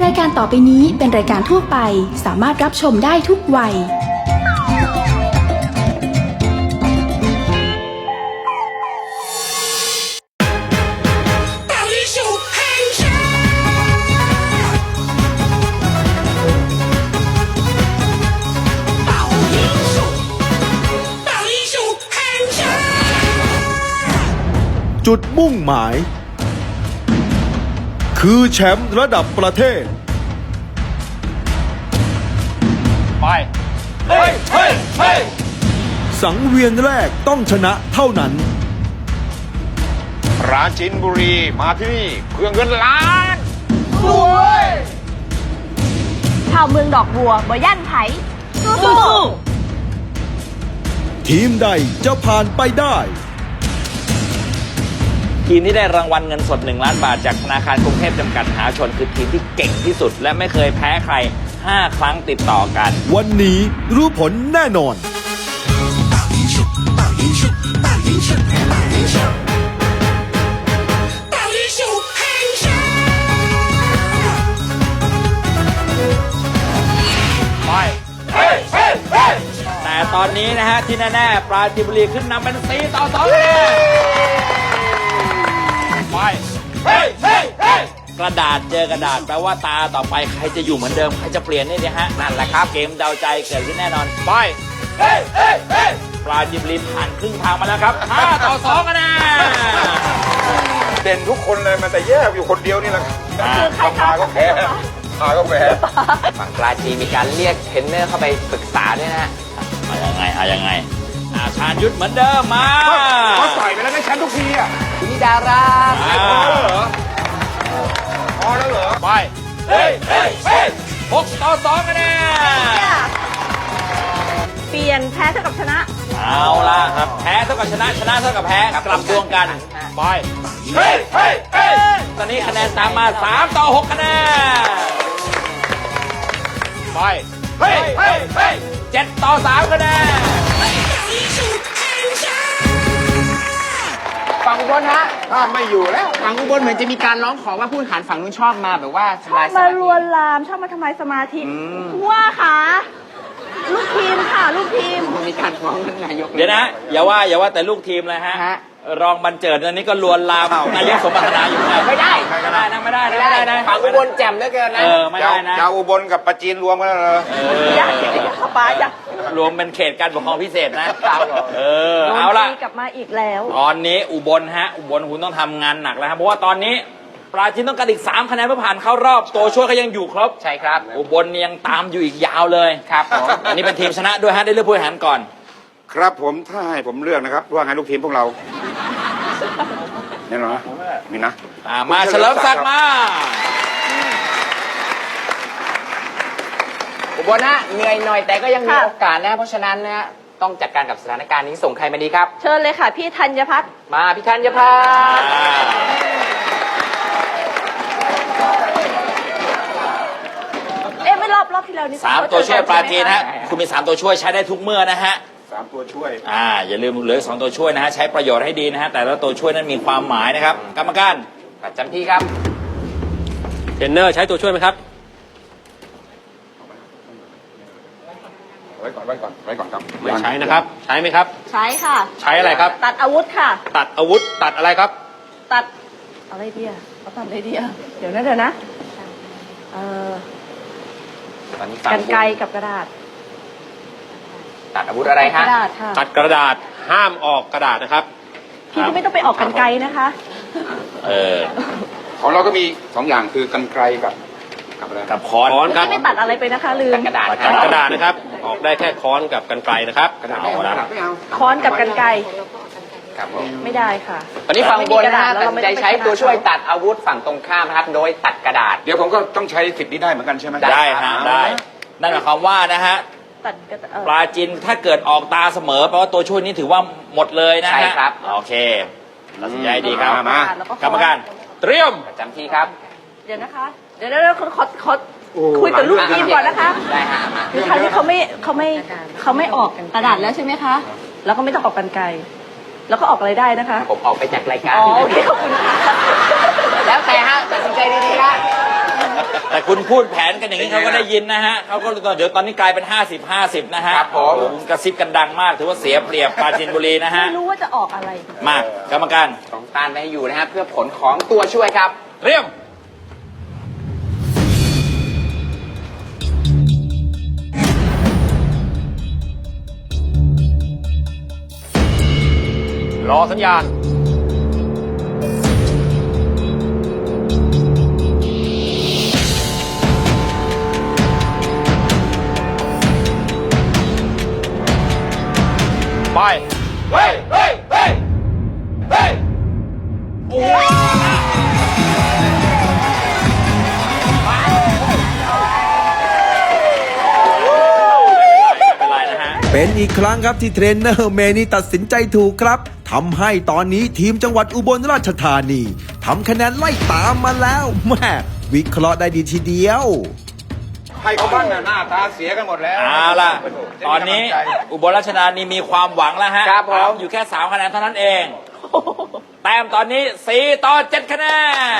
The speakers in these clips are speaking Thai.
รายการต่อไปนี้เป็นรายการทั่วไปสามารถรับชมได้ทุกวัยจุดมุ่งหมายคือแชมป์ระดับประเทศไปเฮ้ยเฮ้ยเฮ้ยสังเวียนแรกต้องชนะเท่านั้นปราจีนบุรีมาที่นี่เพื่อเงินล้านรวยชาวเมืองดอกบัวบ่ย่านไผสู้ทีมใดจะผ่านไปได้ทีมที่ได้รางวัลเงินสด1 ล้านบาทจากธนาคารกรุงเทพจำกัดมหาชนคือทีมที่เก่งที่สุดและไม่เคยแพ้ใคร5 ครั้งติดต่อกันวันนี้รู้ผลแน่นอนแต่ตอนนี้นะฮะที่แน่ๆปราจีนบุรีขึ้นนำเป็น4-2กระดาษเจอกระดาษแปลว่าตาต่อไปใครจะอยู่เหมือนเดิมใครจะเปลี่ยนนี่นะฮะนั่นแหละครับเกมเดาใจเกิดขึ้นแน่นอนไปปราจีนบุรีผ่านครึ่งทางมาแล้วครับ5-2กันนะเด่นทุกคนเลยมันแต่แยกอยู่คนเดียวนี่แหละพาก็แพ้ฝั่งปราจีนมีการเรียกเทรนเนอร์เข้าไปปรึกษาด้วยนะฮะเอายังไงชาญยุทธเหมือนเดิมมาเขาต่อยไปแล้วได้แชมป์ทุกทีอ่ะคุณนิดาราพอแล้วเหรอไป6-2กันแน่เปลี่ยนแพ้เท่ากับชนะเอาล่ะครับแพ้เท่ากับชนะชนะเท่ากับแพ้กลับดวงกันไปตอนนี้คะแนนตามมา3-6คะแนนไป7-3คะแนนฝั่งอุบลฮะถ้าไม่อยู่แล้วฝั่งอุบลเหมือนจะมีการร้องขอว่าผู้แข่งขันฝั่งนู้นชอบมาแบบว่าทำลายสมาธิมาลวนลามชอบมาทำลายสมาธิว่าค่ะลูกทีมค่ะลูกทีมมีการฟ้องท่านนายกเดี๋ยวนะอย่าว่าแต่ลูกทีมเลยฮะรองบรรเจิดอันนี้ก็ลวนลามนายกสมบัตินาอยู่ไงไม่ได้นะฝั่งอุบลแจ่มเหลือเกินนะไม่ได้นะจะอุบลกับปราจีนรวมกันเลยยักษ์ป้ายักษ์รวมเป็นเขตการปกครองพิเศษนะเอาละกลับมาอีกแล้วตอนนี้อุบลคุณต้องทำงานหนักแล้วครับเพราะว่าตอนนี้ปราจีนต้องการอีก3 คะแนนเพื่อผ่านเข้ารอบตัวช่วยก็ยังอยู่ครบใช่ครับอุบลยังตามอยู่อีกยาวเลยครับผมอันนี้เป็นทีมชนะด้วยได้เลือกผู้บริหารก่อนครับผมถ้าให้ผมเลือกนะครับว่าไงลูกทีมพวกเราเนี่ยนะนี่นะมาเฉลิมศักดิ์มาอุบลนะเหนื่อยหน่อยแต่ก็ยังมีโอกาสนะเพราะฉะนั้นนะต้องจัดการกับสถานการณ์นี้ส่งใครมาดีครับเชิญเลยค่ะพี่ธัญพัฒน์มาพี่ธัญพัฒน์ไม่รอบที่แล้วนี่ 3 ตัวช่วยปราจีนฮะคุณมี3 ตัวช่วยใช้ได้ทุกเมื่อนะฮะ 3 ตัวช่วยอย่าลืมเหลือ2 ตัวช่วยนะฮะใช้ประโยชน์ให้ดีนะฮะแต่ละตัวช่วยนั้นมีความหมายนะครับกรรมการประจำที่ครับเทรนเนอร์ใช้ตัวช่วยไหมครับไว้ก่อนครับไม่ใช้นะครับใช้ไหมครับใช้ค่ะใช้อะไรครับตัดอาวุธค่ะตัดอาวุธตัดอะไรครับตัดอะไรเดียเขาตัดอะไรเดียเดี๋ยวนะกรรไกรกับกระดาษตัดอาวุธอะไรฮะตัดกระดาษห้ามออกกระดาษนะครับพี่ก็ไม่ต้องไปออกกรรไกรนะคะของเราก็มี2 อย่างคือกรรไกรกับค้อนครับไม่ตัดอะไรไปนะคะลืมกระดาษนะครับออกได้แค่ค้อนกับกรรไกรนะครับค้อนกับกรรไกรครับไม่ได้ค่ะตอนนี้ฝั่งบนนะตัดสินใจใช้ตัวช่วยตัดอาวุธฝั่งตรงข้ามนะครับโดยตัดกระดาษเดี๋ยวผมก็ต้องใช้สิทธิ์นี้ได้เหมือนกันใช่ไหมได้ฮะได้นั่นหมายความว่านะฮะปราจีนถ้าเกิดออกตาเสมอแปลว่าตัวช่วยนี้ถือว่าหมดเลยนะฮะใช่ครับโอเคตัดสินใจดีครับมากรรมการเตรียมประจำที่ครับเดี๋ยวนะคะเดี๋ยวขอคุยกับลูกทีมก่อนนะคะได้ฮะคือครั้งนี้เขาไม่ออกกระดาษแล้วใช่ไหมคะแล้วก็ไม่ต้องออกกรรไกรแล้วก็ออกอะไรได้นะคะผมออกไปจากรายการโอเคขอบคุณค่ะแล้วแต่ฮะตัดสินใจดีๆฮะแต่คุณพูดแผนกันอย่างนี้เขาก็ได้ยินนะฮะเขาก็เดี๋ยวตอนนี้กลายเป็น 50-50 นะฮะครับผมกระซิบกันดังมากถือว่าเสียเปรียบปราจีนบุรีนะฮะไม่รู้ว่าจะออกอะไรมากรรมการต้องต้านไม่ให้อยู่นะฮะเพื่อผลของตัวช่วยครับเรียมรอสัญญาณ ไป เฮ้ย เฮ้ย เฮ้ย เฮ้ย โอ้ยไม่เป็นไรนะฮะเป็นอีกครั้งครับที่เทรนเนอร์เมนี่ตัดสินใจถูกครับทำให้ตอนนี้ทีมจังหวัดอุบลราชธานีทำคะแนนไล่ตามมาแล้วแม่วิเคราะห์ได้ดีทีเดียวให้เขาบ้างนะหน้าตาเสียกันหมดแล้วเอาล่ะ ตอนนี้อุบลราชธานีมีความหวังแล้วฮะครับผมอยู่แค่ 3 คะแนนเท่านั้นเอง แต้มตอนนี้ 4-7 คะแนน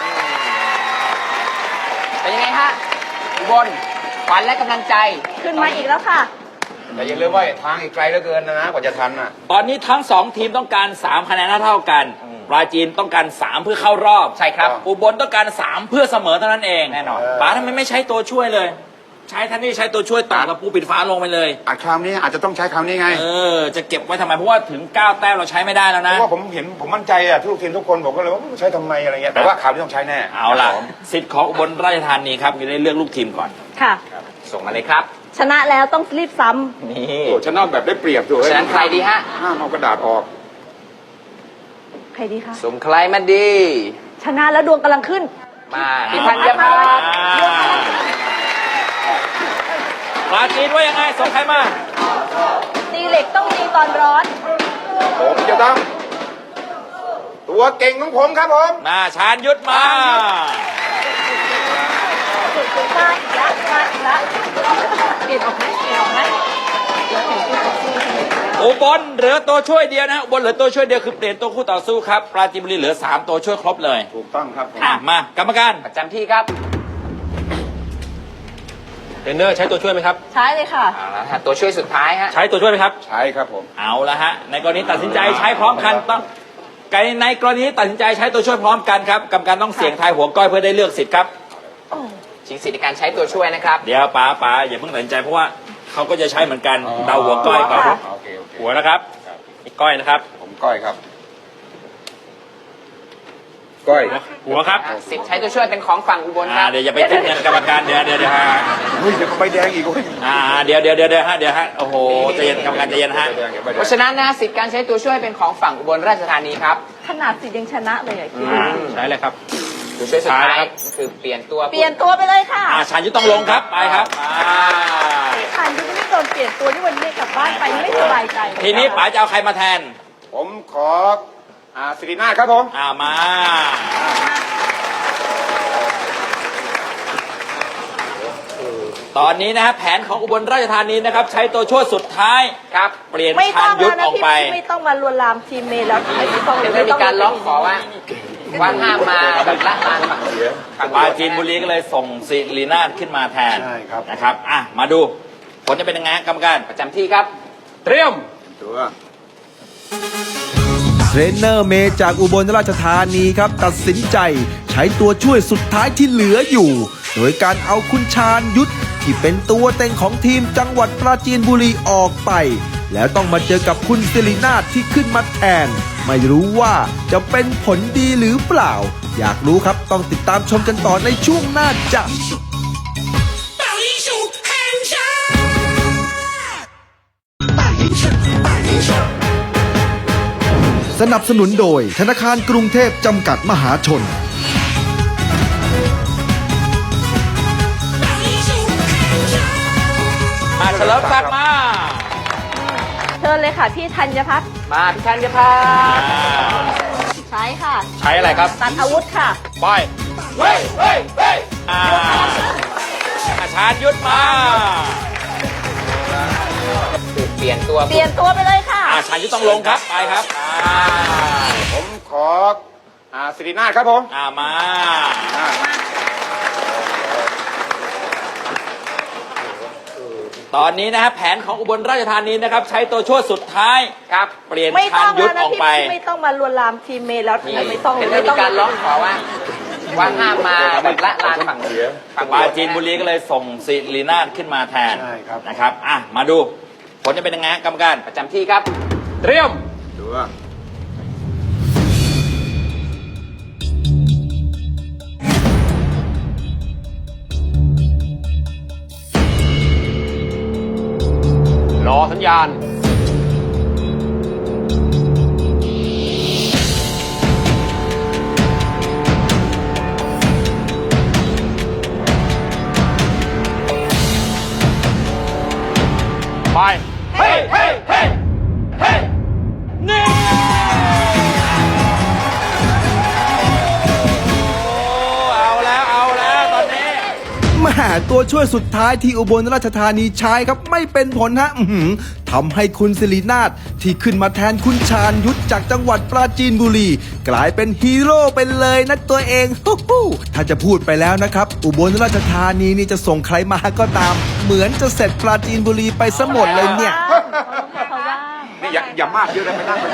เป็นยังไงฮะอุบลขวัญและกำลังใจขึ้นมาอีกแล้วค่ะแต่อย่าลืมว่าทางอีกไกลเหลือเกินนะกว่าจะทันน่ะตอนนี้ทั้ง 2 ทีมต้องการ 3 คะแนนเท่ากัน ปราจีนต้องการ 3 เพื่อเข้ารอบใช่ครับอุบลต้องการ 3 เพื่อเสมอเท่านั้นเองแน่นอนป๋าทำไมไม่ใช้ตัวช่วยเลย ใช้ท่านนี่ใช้ตัวช่วยต่อกับปูปิดฟ้าลงไปเลยคราวนี้อาจจะต้องใช้คราวนี้ไงจะเก็บไว้ทำไม เพราะว่าถึง 9 แต้มเราใช้ไม่ได้แล้วเพนะราะว่าผมเห็นผมมั่นใจอะทุกทีมทุกคนผมก็เลยว่าใช้ทำไมอะไรเงี้ยแต่ว่าคราวนี้ต้องใช้แน่เอาล่ะ สิทธิ์ของอุบลราชธานีครับมีได้เลือกลูกทีมก่อนค่ะส่งมาเลยครับชนะแล้วต้องรีบซ้นี่โอ้ชนะแบบได้เปรียบด้วยฉะนั้นใครดีฮะห้ามเอากระดาษออกำใครดีคะส่งใครมาดีชนะแล้วดวงกำลังขึ้นมาพี่ธัญพัฒน์ปราจีนว่ายังไงส่งใครมาตีเหล็กต้องตีตอนร้อนผมจะต้องตัวเก่งของผมครับผมมาชาญยุทธมามาอีกแล้วมาอีกแล้วเปลี่ยนออกไหมเปลี่ยนออกไหมอุบลเหลือตัวช่วยเดียวนะอุบลเหลือตัวช่วยเดียวคือเปลี่ยนตัวคู่ต่อสู้ครับปราจีนบุรีเหลือ 3 ตัวช่วยครบเลยถูกต้องครับผมมากรรมการประจำที่ครับเทรนเนอร์ใช้ตัวช่วยไหมครับใช้เลยค่ะเอาละฮะตัวช่วยสุดท้ายฮะใช้ตัวช่วยไหมครับใช่ครับผมเอาละฮะในกรณีตัดสินใจใช้พร้อมกันต้องในกรณีตัดสินใจใช้ตัวช่วยพร้อมกันครับกรรมการต้องเสี่ยงทายหัวก้อยเพื่อได้เลือกสิทธิ์ครับชิงสิทธิในการใช้ตัวช่วยนะครับเดี๋ยวป๋าอย่าเพิ่งตัดสินใจเพราะว่าเขาก็จะใช้เหมือนกันเดาหัวก้อยก่อนโอเคโอเคหัวนะครับอีกก้อยนะครับผมก้อยครับก้อยหัวครับสิทธิ์ใช้ตัวช่วยเป็นของฝั่งอุบลครับเดี๋ยวอย่าไปคิดเงินกรรมการเดี๋ยวฮะเฮ้ยเดี๋ยวก็ใบแดงอีกเว้ยเดี๋ยวฮะโอ้โหใจเย็นกรรมการใจเย็นฮะใบแดงใบแดงเพราะฉะนั้นนะสิทธิ์การใช้ตัวช่วยเป็นของฝั่งอุบลราชธานีครับขนาดสิยังชนะเลยอะคิดใช้เลยครับตัวช่วยสุดท้ายใช่ครับคือเปลี่ยนตัวเปลี่ยนตัวไปเลยค่ะชาญยุทธต้องลงครับไปครับผ่านยุทธไม่โดนเปลี่ยนตัวที่วันนี้กลับบ้านไปไม่สบายใจเลยทีนี้ป๋าจะเอาใครมาแทนผมขอสิรินาถครับผมมา ตอนนี้นะฮะแผนของอุบลราชธานีนะครับใช้ตัวช่วยสุดท้ายครับเปลี่ยนไม่ชาต้อญงยุทแล้วธนะออกพี่ไปไม่ต้องมาลวนลามทีมเมย์แล้วไม่ต้องเลยเดี๋ยวจะมีการร้องขอว่าห้ามมาแบบละลานฝั่งปราจีนบุรีก็เลยส่งศิรินาถขึ้นมาแทนใช่ครับนะครับมาดูผลจะเป็นยังไงฮะกรรมการประจำที่ครับเตรียมตัวเทรนเนอร์เมย์จากอุบลราชธานีครับตัดสินใจใช้ตัวช่วยสุดท้ายที่เหลืออยู่ โดยการเอาคุณชาญยุทธที่เป็นตัวเต็งของทีมจังหวัดปราจีนบุรีออกไป แล้วต้องมาเจอกับคุณศิรินาถที่ขึ้นมาแทน ไม่รู้ว่าจะเป็นผลดีหรือเปล่า อยากรู้ครับต้องติดตามชมกันต่อในช่วงหน้าจ้ะ สนับสนุนโดยธนาคารกรุงเทพจำกัดมหาชนเฉลิมศักดิ์มาเชิญเลยค่ะพี่ธัญพัฒน์มาพี่ธัญพัฒน์ใช้ค่ะใช้อะไรครับตัดอาวุธค่ะไปเฮ้ยชาญยุทธมาเปลี่ยนตัวเปลี่ยนตัวไปเลยค่ะชาญยุทธต้องลงครับไปครับผมขอสิรินาถครับผมมาตอนนี้นะฮะแผนของอุบลราชธานีนะครับ ใช้ตัวช่วยสุดท้ายครับเปลี่ยนไม่ชาต้ญองยุทแล้วธนะออกพี่ไปไม่ต้องมาลวนลามทีมเมย์แล้วไม่ต้องเป็นไม่มีต้องการร้องขอว่าห้ามมาแบบละลานฝั่งฝั่งปราจีนบุรีก็เลยส่งศิรินาถขึ้นมาแทนใช่ครับนะครับอ่ะมาดูผลจะเป็นยังไงกรรมการประจำที่ครับ เตรียมดูว่ารอสัญญาณ ไปเฮ้ยเฮ้ยเฮ้ยเฮ้ยนี่โอ้เอาแล้วตอนนี้แหม่ตัวช่วยสุดท้ายที่อุบลราชธานีใช้ครับไม่เป็นผลฮะทำให้คุณศิรินาถที่ขึ้นมาแทนคุณชาญยุทธจากจังหวัดปราจีนบุรี กลายเป็นฮีโร่ไปเลยนะตัวเองฮู้ฮู้ถ้าจะพูดไปแล้วนะครับ อุบลราชธานีนี่จะส่งใครมาก็ตาม เหมือนจะเสร็จปราจีนบุรีไปซะหมดเลยเนี่ยเขาว่างนี่อย่ามากเยอะเลยไปนั่ง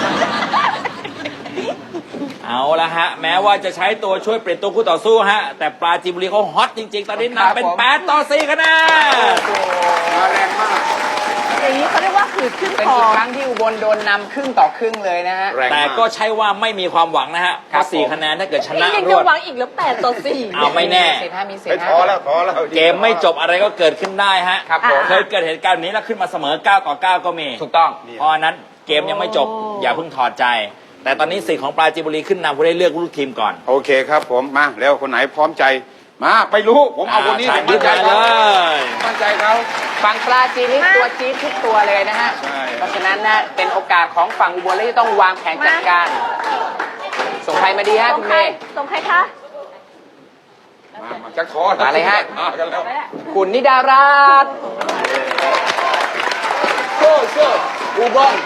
เอาละฮะ แม้ว่าจะใช้ตัวช่วยเปลี่ยนตัวคู่ต่อสู้ฮะ แต่ปราจีนบุรีเขาฮอตจริง ๆ ตอนนี้นำเป็น8-4คะแนนมาแรงมากอย่างนี้เขาเรียกว่าขืดขึ้นเป็นคออีกครั้งที่อุบลโดนนำครึ่งต่อครึ่งเลยนะฮะแรงแต่มากก็ใช่ว่าไม่มีความหวังนะฮะเพครับราะ4คะแนนถ้าเกิดชนะยังรจะวดหวังอีกแล้ว8-4 เอาไม่แน่มีสิทธิ์ฮะมีสิทไปธิ์ฮะท้อแล้วเกมไม่จบอะไรก็เกิดขึ้นได้ฮะครับผมเคยเกิดเหตุการณ์แบบนี้แล้วขึ้นมาเสมอ9-9ก็มีถูกต้องเพราะฉะนั้นเกมยังไม่จบอย่าเพิ่งถอดใจ แต่ตอนนี้สิทธิ์ของปราจีนบุรีขึ้นนำผู้ได้เลือกลูกทีมก่อนโอเคครับผมมาแล้วคนไหนพร้อมใจมาไปรู้ผมเอาคนนี้ชาญผมยุมั่ทนธใจมาเขาเลยมั่นใจเขาฝั่งปลาจีนนี่ตัวจี๊ดทุกตัวเลยนะฮะใช่เพราะฉะนั้นนะเป็นโอกาสของฝั่งอุบลที่ต้องวางแผนจัดการ ส่งใครมาดีฮะส่งคุณใคเมรย์ส่งใครคะมาจะท้อมาเลยฮะมากันแล้วคุณนิดารัตน์โซ่อุบล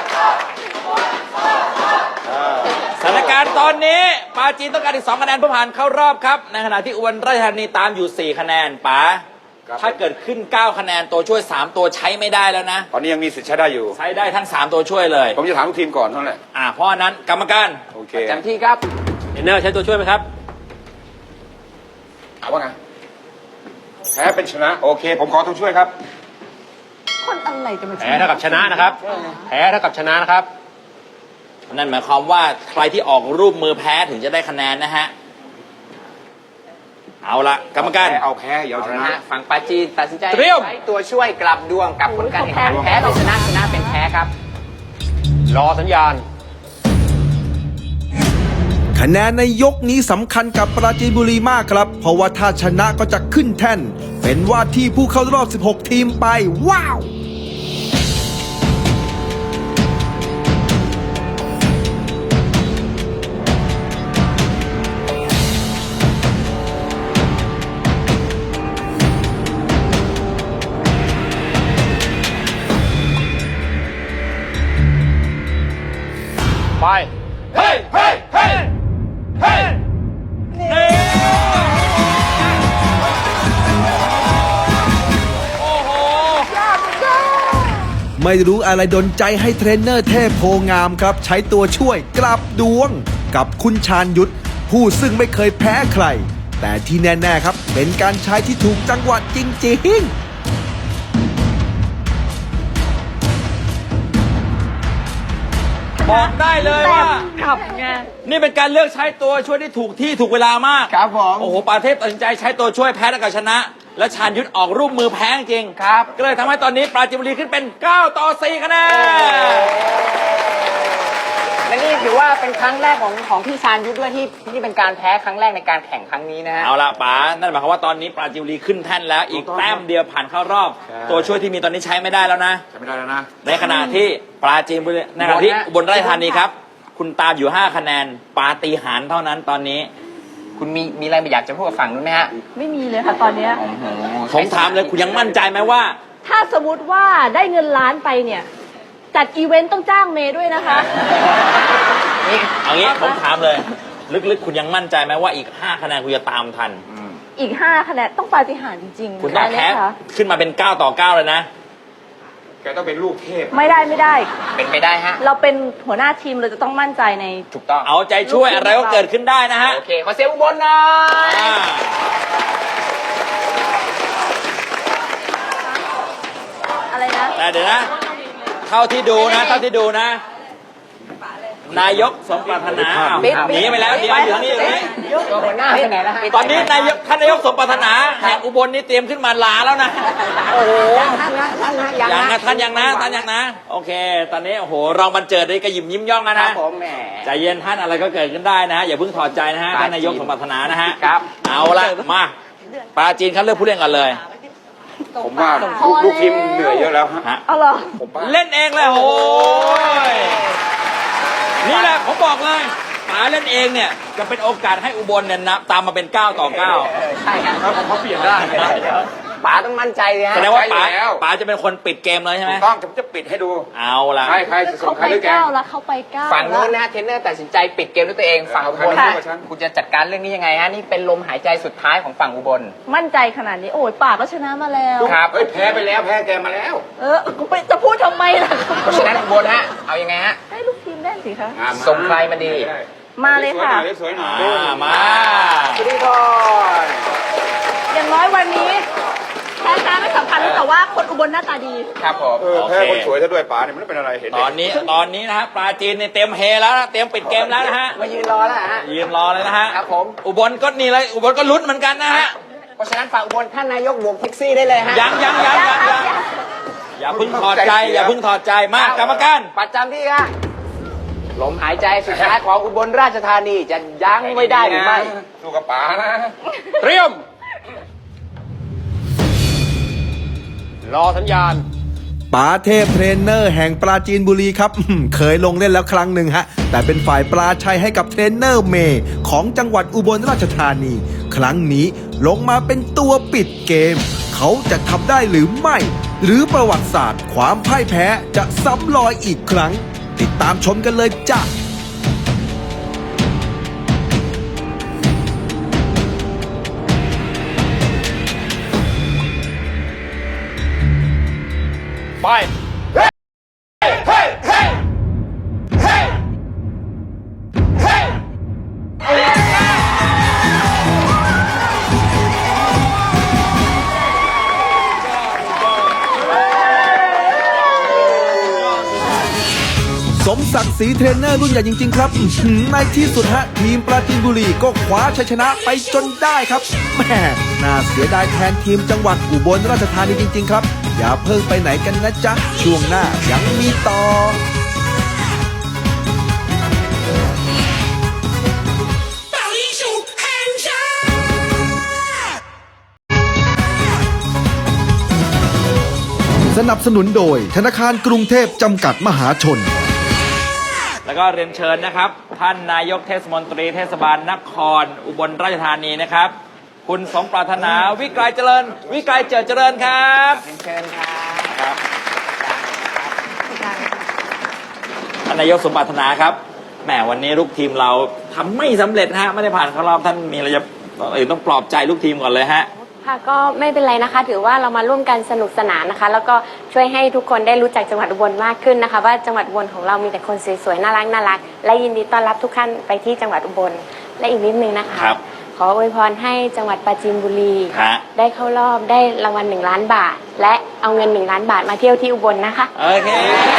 สถานการณ์ตอนนี้ปราจีนต้องการอีก2คะแนนเพื่อผ่านเข้ารอบครับ ในขณะที่อุบลราชธานีตามอยู่4คะแนนป๋าถ้าเกิดขึ้น9คะแนนตัวช่วย3ตัวใช้ไม่ได้แล้วนะตอนนี้ยังมีสิทธิ์ใช้ได้อยู่ใช้ได้ทั้ง3ตัวช่วยเลยผมจะถามทุกทีมก่อนเท่านั้นแหละเพราะฉะนั้นกรรมการโอเคจำที่ครับเทรนเนอร์ใช้ตัวช่วยไหมครับเอาว่าไงแพ้เป็นชนะ โอเค ผมขอตัวช่วยครับคนอะไรจะมาแพ้เท่ากับชนะนะครับ แพ้เท่ากับชนะนะครับนั่นหมายความว่าใครที่ออกรูปมือแพ้ถึงจะได้คะแนนนะฮะเอาละกรรมการเอาแพ้อย่าเอาชนะนะฮะฝั่งปลาจีนตัดสินใจเตรียมใช้ตัวช่วยกลับดวงกับผลการแข่งขันแพ้เป็นชนะชนะเป็นแพ้ครับรอสัญญาณคะแนนในยกนี้สำคัญกับปราจีนบุรีมากครับ เพราะว่าถ้าชนะก็จะขึ้นแท่น เป็นว่าที่ผู้เข้ารอบ 16 ทีมไป ว้าวไปเฮ้ยเฮ้ยเฮ้ยเฮ้ยนี่โอ้โหไม่รู้อะไรดนใจให้เทรนเนอร์เทพโพงามครับ ใช้ตัวช่วยกลับดวง กับคุณชาญยุทธผู้ซึ่งไม่เคยแพ้ใคร แต่ที่แน่ๆครับ เป็นการใช้ที่ถูกจังหวะจริงๆบอกได้เลยว่าขับไงนี่เป็นการเลือกใช้ตัวช่วยที่ถูกที่ถูกเวลามากครับผมโอ้โหปาเทพตัดสินใจใช้ตัวช่วยแพ้แล้วก็ชนะ และชาญยุทธออกรูปมือแพ้จริงครับก็เลยทำให้ตอนนี้ปราจีนบุรีขึ้นเป็น9-4คะแนนและนี่ถือว่าเป็นครั้งแรกของพี่ชาญยุทธด้วยที่เป็นการแพ้ครั้งแรกในการแข่งครั้งนี้นะฮะเอาละป๋านั่นหมายความว่าตอนนี้ปราจีนบุรีขึ้นแท่นแล้วอีกแต้มเดียวผ่านเข้ารอบ ตัวช่วยที่มีตอนนี้ใช้ไม่ได้แล้วนะใช้ไม่ได้แล้วนะในขณะที่ปราจีนบุรีในขณะที่อุบลราชธานีครับ คุณตามอยู่5คะแนนปาฏิหาริย์เท่านั้นตอนนี้คุณมีอะไรอยากจะพูดกับฝั่งนู้นไหมฮะไม่มีเลยค่ะตอนเนี้ยผมถามเลยคุณยังมั่นใจไหมว่าถ้าสมมติว่าได้เงินล้านไปเนี่ย จัดอีเวนต์ต้องจ้างเมย์ด้วยนะคะเอางี้ผมถามเลย ลึกๆ คุณยังมั่นใจไหมว่าอีก5คะแนนคุณจะตามทันอีก5คะแนนต้องปาฏิหาริย์จริงๆคุณต้องได้ไหมแพ้คะขึ้นมาเป็น9 ต่อ 9เลยนะแกต้องเป็นลูกเทพไม่ได้เป็นไปได้ฮะเราเป็นหัวหน้าทีมเราจะต้องมั่นใจในถูกต้องเอาใจช่วยอะไรก็เกิดขึ้นได้นะฮะโอเค ขอเสียงอุบลหน่อยอ่าอะไรนะแต่เดี๋ยวนะ เท่าที่ดูนะนายกสมปรารถนาอ้าวปิดหนีไปแล้วเดี๋ยวอยู่นี่ตัวหัวหน้าไปไหนแล้วฮะตอนนี้ท่านนายกสมปรารถนาแห่งอุบลนี่เตรียมขึ้นมาลาแล้วนะโอ้โหท่านนะยังยังนะนะท่านยังนะ โอเค ตอนนี้โอ้โหรองบรรเจิดได้กระยิมยิ้มย่องแล้วครันะบผมแหมใจเย็นท่านอะไรก็เกิดขึ้นได้นะฮะอย่าเพิ่งถอดใจนะฮะท่านนายกสมปรารถนานะฮะครับเอาละมาปลาจีนเขาเลือกผู้เล่นกันเลยผมว่าลูกทีมเหนื่อยเยอะแล้วฮะฮะเอาเหรอผมว่าเล่นเองเลยโอ้ยนี่แหละผมบอกเลยป๋าเล่นเองเนี่ยจะเป็นโอกาสให้อุบลเนี่ยนับตามมาเป็น9 ต่อ 9 ใช่ครับครับผมเขาเปลี่ยนได้ป๋าต้องมั่นใจเลยฮะแสดงว่าป๋าใช่แล้วป๋าจะเป็นคนปิดเกมเลยใช่ไหมถูกต้องผมจะปิดให้ดูเอาละใครจะส่เขางใครไปหรือแก 9แล้วเขาไป9 ฝั่งนู้นนะฮะเทรนเนอร์ตัดสินใจปิดเกมด้วยตัวเอง ฝั่งอุบลค่ะคุณจะจัดการเรื่องนี้ยังไงฮะ นี่เป็นลมหายใจสุดท้ายของฝั่งอุบลมั่นใจขนาดนี้โอ้ยป่าก็ชนะมาแล้วครับเฮ้ยแพ้ไปแล้วแพ้แกมาแล้วกูไปจะพูดทำไมล่ะเพราะฉะนั้นอุบลฮะ เอายังไงฮะให้ลูกทีมเล่นสิคะส่งใครมาดีมาเลยค่ะสวยหน่อยมาสุริพรอย่างน้อยวันนี้แพ้ชนะไม่สำคัญแต่ว่าคนอุบลหน้าตาดีครับผมแพ้คนสวยซะด้วยป๋าเนี่ยมันไม่เป็นอะไรเห็นตอนนี้นะฮะปลาจีนเนี่ยเต็มเฮแล้วนะเตรียมปิดเกมแล้วนะฮะมายืนรอแล้วฮะยืนรอเลยนะฮะครับผมอุบลก็นี่เลยอุบลก็ลุ้นเหมือนกันนะฮะเพราะฉะนั้นฝั่งอุบลท่านนายกบวกแท็กซี่ได้เลยฮะยังอย่าเพิ่งถอดใจมากรรมการประจำที่ฮะลมหายใจสุดท้ายของอุบลราชธานีจะยั้งไว้ได้หรือไม่สู้กับป๋านะเตรียม รอสัญญาณป๋าเทพเทรนเนอร์แห่งปราจีนบุรีครับ เคยลงเล่นแล้วครั้งหนึ่งฮะ แต่เป็นฝ่ายปลาชัยให้กับเทรนเนอร์เมย์ของจังหวัดอุบลราชธานี ครั้งนี้ลงมาเป็นตัวปิดเกม เขาจะทำได้หรือไม่ หรือประวัติศาสตร์ความพ่ายแพ้จะซ้ำรอยอีกครั้ง ติดตามชมกันเลยจ้ะไปสมศักดิ์ศรีเทรนเนอร์รุ่นใหญ่จริง ๆ ครับในที่สุดฮะทีมปราจีนบุรีก็คว้าชัยชนะไปจนได้ครับแหม่น่าเสียดายแทนทีมจังหวัดอุบลราชธานีจริง ๆ ครับ อย่าเพิ่งไปไหนกันนะจ๊ะ ช่วงหน้ายังมีต่อ สนับสนุนโดยธนาคารกรุงเทพจำกัดมหาชนแล้วก็เรียนเชิญนะครับ ท่านนายกเทศมนตรีเทศบาลนครอุบลราชธานีนะครับ คุณสมปรารถนาวิกรเจริญเจริญครับเชิญครับครับท่านนายกสมปรารถนาครับแหมวันนี้ลูกทีมเราทำไม่สำเร็จฮะไม่ได้ผ่านเข้ารอบท่านมีอะไรจะต้องปลอบใจลูกทีมก่อนเลยฮะค่ะก็ไม่เป็นไรนะคะ ถือว่าเรามาร่วมกันสนุกสนานนะคะ แล้วก็ช่วยให้ทุกคนได้รู้จักจังหวัดอุบลมากขึ้นนะคะ ว่าจังหวัดอุบลของเรามีแต่คนสวยๆน่ารักและยินดีต้อนรับทุกท่านไปที่จังหวัดอุบลและอีกนิดนึงนะคะครับขออวยพรให้จังหวัดปราจีนบุรีฮะได้เข้ารอบได้รางวัล1 ล้านบาท และเอาเงิน1 ล้านบาทมาเที่ยวที่อุบลนะคะโอเค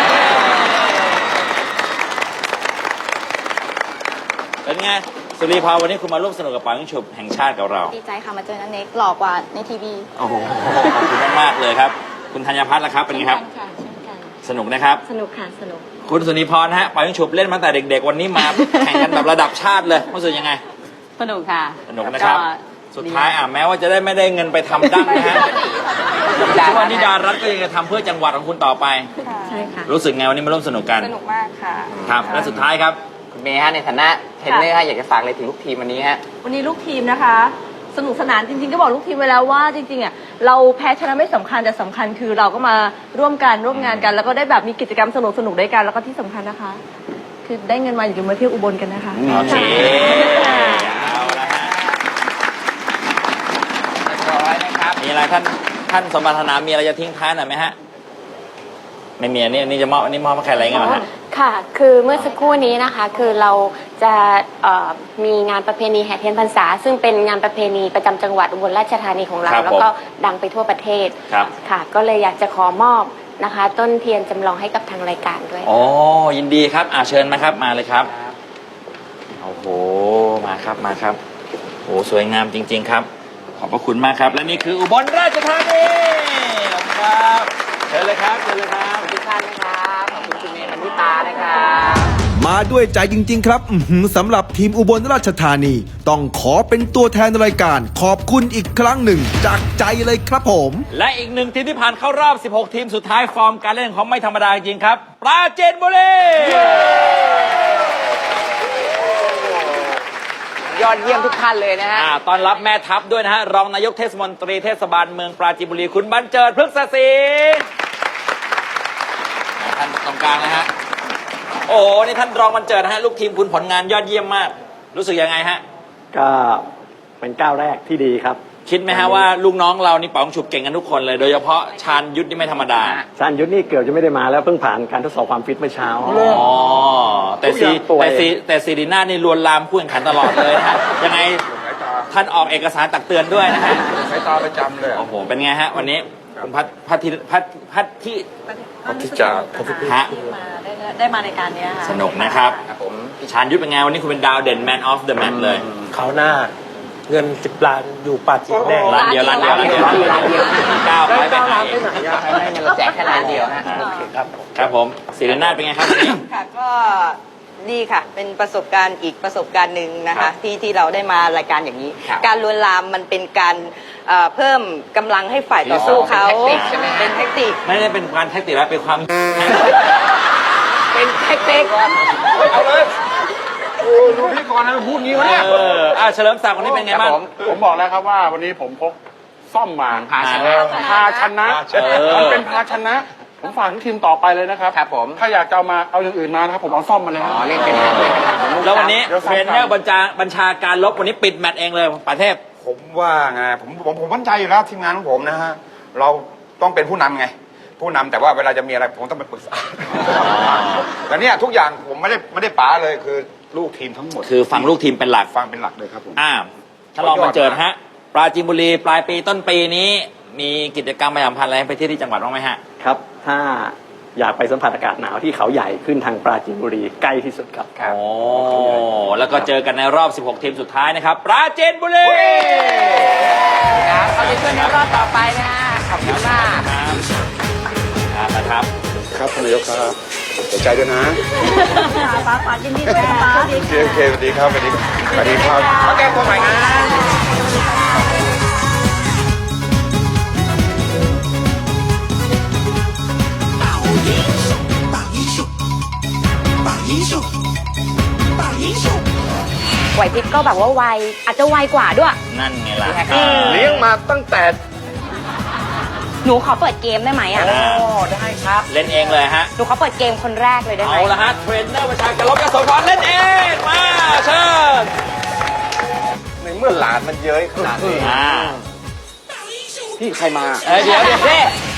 เป็นไงสุรีพรวันนี้คุณมาร่วมสนุกกับปายิงฉุบแห่งชาติกับเราดีใจค่ะ มาเจอนันเน็กหล่อกว่าในทีวีโอ้โหขอบคุณมากๆเลยครับ คุณธัญพัฒน์ล่ะครับเป็นไงครับค่ะเช่นกันสนุกนะครับสนุกค่ะสนุกคุณสุนีพรฮะปายิงฉุบเล่นมาแต่เด็ก ๆ วันนี้มา แข่งกันแบบระดับชาติเลยรู้สึกยังไงสนุกค่ะสนุกนะครับ สุดท้ายแม้ว่าจะได้ไม่ได้เงินไปทำดั้งนะฮะทุกวันนี้ดารัตก็ยังจะทำเพื่อจังหวัดของคุณต่อไปใช่ค่ะรู้สึกไงวันนี้มาร่วมสนุกกันสนุกมากค่ะครับ และสุดท้ายครับคุณเมย์ฮะในฐานะเทรนเนอร์ฮะอยากจะฝากอะไรถึงลูกทีมวันนี้ฮะวันนี้ลูกทีมนะคะ สนุกสนานจริงๆก็บอกลูกทีมไว้แล้วว่าจริงๆอ่ะเราแพ้ชนะไม่สำคัญแต่สำคัญคือเราก็มาร่วมงานกัน แล้วก็ได้แบบมีกิจกรรมสนุกๆด้วยกันแล้วก็ที่สำคัญนะคะ คือได้เงินมาอย่าลืมมาเที่ยวอุบลกันนะคะโอเคค่ะเอาละฮะอะไรท่านสมบัตินามีอะไรจะทิ้งท้ายหน่อยไหมฮะไม่มีอันนี้จะมอบอันนี้มอบให้ใครอะไรเงี้ยเหรอฮะค่ะ คือเมื่อสักครู่นี้นะคะ คือเราจะมีงานประเพณีแห่เทียนพรรษา ซึ่งเป็นงานประเพณีประจำจังหวัดอุบลราชธานีของเราครับแล้วก็ดังไปทั่วประเทศครับค่ะ ก็เลยอยากจะขอมอบนะคะ ต้นเทียนจำลองให้กับทางรายการด้วยอ๋อยินดีครับเชิญมาครับมาเลยครับโอ้โหมาครับโอ้สวยงามจริง ๆ ครับ ขอบพระคุณมากครับและนี่คืออุบลราชธานีขอบคุณครับเชิญเลยครับเชิญเลยครับทุกท่านนะครับขอบคุณคุณเมย์มันนิตานะครับมาด้วยใจจริง ๆ ครับสำหรับทีมอุบลราชธานี ต้องขอเป็นตัวแทนรายการ ขอบคุณอีกครั้งหนึ่งจากใจเลยครับผมและอีกหนึ่งทีมที่ผ่านเข้ารอบ 16 ทีมสุดท้ายฟอร์มการเล่นของไม่ธรรมดาจริงครับปราจีนบุรียอดเยี่ยมทุกท่านเลยนะฮะต้อนรับแม่ทัพด้วยนะฮะรองนายกเทศมนตรีเทศบาลเมืองปราจีนบุรีคุณบรรเจิดพฤกษศรีท่านตรงกลางนะฮะโอ้โหนี่ท่านรองบรรเจิดนะฮะลูกทีมคุณผลงานยอดเยี่ยมมาก รู้สึกยังไงฮะก็เป็นก้าวแรกที่ดีครับคิดไหมฮะว่าลูกน้องเรานี่ป๋องฉุบเก่งกันทุกคนเลย โดยเฉพาะชาญยุทธนี่ไม่ธรรมดาชาญยุทธนี่เกือบจะไม่ได้มาแล้วเพิ่งผ่านการทดสอบความฟิตเมื่อเช้าอ๋อแต่ซีดีน่านี่ลวนลามผู้แข่งขันตลอดเลยนะฮะยังไงท่านออกเอกสารตักเตือนด้วยนะฮะสายตาประจำเลยโอ้โหเป็นไงฮะวันนี้คุณพัทที่ที่จะฮะได้มาในการนี้ค่ะสนุกนะครับครับผมชาญยุทธเป็นไงวันนี้คุณเป็นดาวเด่น Man of the Match เลยเขาวหน้าเงิน10 ล้านอยู่ปาจีนแน่ร้านเดียวก้าวไปไหนไม่งั้นเราแจกแค่ร้านเดียวฮะครับผมศิรินาถเป็นไงครับวันนี้ค่ะก็ดีค่ะ เป็นประสบการณ์อีกประสบการณ์หนึ่งนะครัคะบที่เราได้มารายการอย่างนี้ครับการลวนลามมันเป็นการเพิ่มกำลังให้ฝ่ายต่อสู้เขาเป็นแท็กติกใช่ไหมเป็นแท็กติกไม่ได้เป็นการแท็กติกแล้วเป็นความเป็นแท็กติกเอาเลยโอ้ดูพี่กรณ์นะพูดงี้วะเนี่ยเฉลิมศักดิ์วันนี้เป็นไงบ้างผมบอกแล้วครับว่าวันนี้ผมพกซ่อมมาภาชนะภาชนะ มันเป็นภาชนะ ผมฝากทีมต่อไปเลยนะครับครับผมถ้าอยากจะเอามาเอาอย่างอื่นมานะครับผมเอาซ่อมมาแล้วอ๋อเล่นเป็นเล่นเป็นแล้ววันนี้เดี๋ยวเทรนเนอร์บัญชาการลบวันนี้ปิดแมตช์เองเลยประเทศผมว่าไงผมมั่นใจอยู่แล้วทีมงานของผมนะฮะเราต้องเป็นผู้นำไง ผู้นำแต่ว่าเวลาจะมีอะไรผมต้องไปปรึกษาแต่เนี่ยทุกอย่างผมไม่ได้ป๋าเลยคือลูกทีมทั้งหมดคือฟังลูกทีมเป็นหลักฟังเป็นหลักเลยครับผมถ้าลองมาเจอฮะปราจีนบุรีปลายปีต้นปีนี้ มีกิจกรรมประชาสัมพันธ์อะไรให้ไปที่จังหวัดบ้างไหมฮะครับ ถ้าอยากไปสัมผัสอากาศหนาวที่เขาใหญ่ขึ้นทางปราจีนบุรีใกล้ที่สุดครับโอ้แล้วก็เจอกันในรอบ 16 ทีมสุดท้ายนะครับ ปราจีนบุรีครับเอาใจช่วยในรอบต่อไปนะฮะขอบคุณมากนะครับครับท่านนายกครับเสียใจด้วยนะป้ายินดีด้วยนะคะโอเคสวัสดีครับสวัสดีครับมาแก้ตัวใหม่นะไหวพริบก็แบบว่าไว อาจจะไวกว่าด้วยนั่นไงล่ะเลี้ยงมาตั้งแต่หนูขอเปิดเกมได้ไหมอ่ะได้ครับเล่นเองเลยฮะหนูขอเปิดเกมคนแรกเลยได้ไหมเอาละฮะเทรนเนอร์ประชาการลบยโสธรเล่นเองมาเชิญในเมื่อหลานมันเย้ยขนาดนี้อ่าพี่ใครมาเดี๋ยวสิ